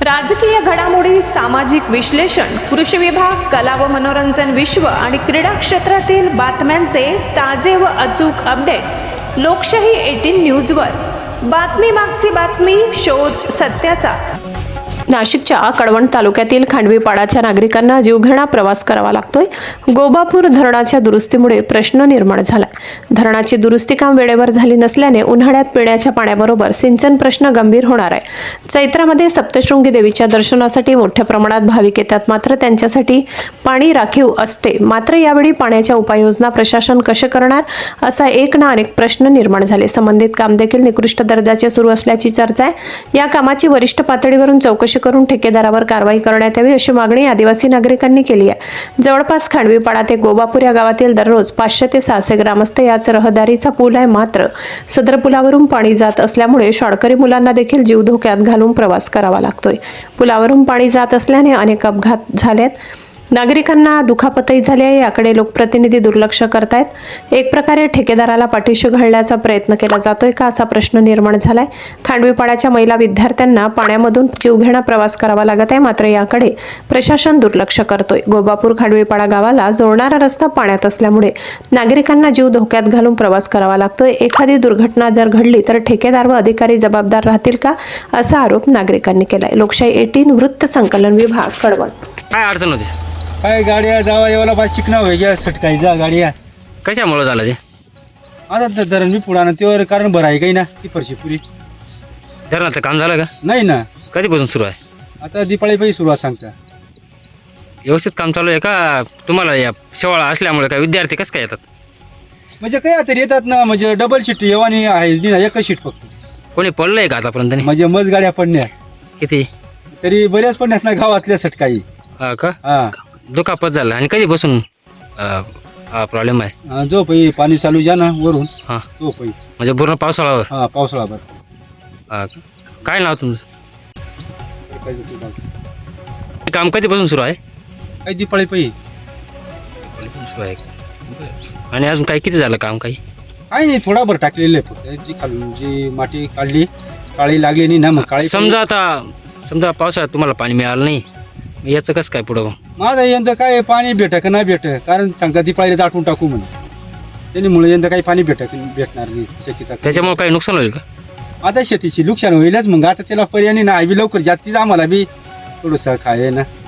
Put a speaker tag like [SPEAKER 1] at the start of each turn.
[SPEAKER 1] राजकीय घडामोडी, सामाजिक विश्लेषण, कृषी विभाग, कला व मनोरंजन विश्व आणि क्रीडा क्षेत्रातील बातम्यांचे ताजे व अचूक अपडेट लोकशाही 18 न्यूजवर. बातमी मागची बातमी, शोध सत्याचा. नाशिकच्या कळवण तालुक्यातील खांडवीपाडाच्या नागरिकांना जीवघेणा प्रवास करावा लागतोय. गोबापूर धरणाच्या दुरुस्तीमुळे प्रश्न निर्माण झाला. धरणाची दुरुस्ती काम वेळेवर झाली नसल्याने उन्हाळ्यात पिण्याच्या पाण्याबरोबर सिंचन प्रश्न गंभीर होणार आहे. चैत्रामध्ये सप्तशृंगी देवीच्या दर्शनासाठी मोठ्या प्रमाणात भाविक येतात, मात्र त्यांच्यासाठी पाणी राखीव असते. मात्र यावेळी पाण्याच्या उपाययोजना प्रशासन कसे करणार, असा एक ना अनेक प्रश्न निर्माण झाले. संबंधित काम देखील निकृष्ट दर्जाचे सुरू असल्याची चर्चा आहे. या कामाची वरिष्ठ पातळीवरून चौकशी करून ठेकेदारावर कारवाई करण्यात यावी, अशी मागणी आदिवासी नागरिकांनी केली आहे. जवळपास खांडवीपाडा ते गोबापूर या गावातील दररोज 500 ते 600 ग्रामस्थ याच रहदारीचा पूल आहे. मात्र सदर पुलावरून पाणी जात असल्यामुळे शाळकरी मुलांना देखील जीव धोक्यात घालून प्रवास करावा लागतोय. पुलावरून पाणी जात असल्याने अनेक अपघात झालेत. नागरिकांना दुखापतही झाली आहे. याकडे लोकप्रतिनिधी दुर्लक्ष करतायत. एक प्रकारे ठेकेदाराला पाठीशी घालण्याचा प्रयत्न केला जातोय का, असा प्रश्न निर्माण झालाय. खांडवीपाड्याच्या महिला विद्यार्थ्यांना पाण्यामधून जीवघेणा प्रवास करावा लागत आहे, मात्र याकडे प्रशासन दुर्लक्ष करतोय. गोबापूर खांडवीपाडा गावाला जोडणारा रस्ता पाण्यात असल्यामुळे नागरिकांना जीव धोक्यात घालून प्रवास करावा लागतोय. एखादी दुर्घटना जर घडली तर ठेकेदार व अधिकारी जबाबदार राहतील का, असा आरोप नागरिकांनी केलाय. लोकशाही 18 वृत्त संकलन विभाग, कळवण.
[SPEAKER 2] काय अडचण होती?
[SPEAKER 3] काय गाड्या जावा येवाला पाच चिकना व्हायच्या सटकायचा गाड्या.
[SPEAKER 2] कशामुळे झालं ते?
[SPEAKER 3] आता तर धरण बी पुढानं त्यावर कारण बरं आहे काही ना ती फरशी पुरी
[SPEAKER 2] धरणाचं काम झालं का?
[SPEAKER 3] नाही ना,
[SPEAKER 2] कधीपासून सुरू आहे?
[SPEAKER 3] आता दिपाळी पाहिजे सुरुवात सांगता.
[SPEAKER 2] व्यवस्थित काम चालू आहे का? तुम्हाला या शेवाळा असल्यामुळे काय विद्यार्थी कसं काय येतात?
[SPEAKER 3] म्हणजे काय तरी येतात ना, म्हणजे डबल शीट येवानी आहेच नाही ना, एकच शीट फक्त.
[SPEAKER 2] कोणी पडलंय का आतापर्यंत? नाही.
[SPEAKER 3] म्हणजे मज गाड्या पडण्या
[SPEAKER 2] किती?
[SPEAKER 3] तरी बऱ्याच पडण्यात ना गावातल्या सटकाई.
[SPEAKER 2] हा का?
[SPEAKER 3] हा,
[SPEAKER 2] दुखापत झालं. आणि कधीपासून हा प्रॉब्लेम आहे?
[SPEAKER 3] जो पाणी चालू जा ना वरून
[SPEAKER 2] हां,
[SPEAKER 3] तो
[SPEAKER 2] म्हणजे पूर्ण पावसाळ्यावर?
[SPEAKER 3] हा, पावसाळाभर.
[SPEAKER 2] हा का? काय नाव तुमचं? काम कधीपासून सुरू आहे?
[SPEAKER 3] काही दिपाळी पाहिजे
[SPEAKER 2] सुरू आहे का? आणि अजून काही किती झालं काम? काही
[SPEAKER 3] नाही, थोडा भर टाकलेलं आहे फक्त. जी खालून जी माती काढली, काळी लागली नाही ना, मग काळी.
[SPEAKER 2] समजा पावसाळ्यात तुम्हाला पाणी मिळालं नाही, याचं कसं काय पुढं?
[SPEAKER 3] माझा यंदा काय पाणी भेट का नाही भेट, कारण सांगता ती पाहिजे आठवून टाकू म्हणून. त्यामुळे यंदा काही पाणी भेटणार नाही शक्यता.
[SPEAKER 2] त्याच्यामुळे काही नुकसान होईल का?
[SPEAKER 3] आता शेतीची नुकसान होईलच, मग आता त्याला पर्याय नाही ना. लवकर जातीच आम्हाला बी थोडंसं खाय ना.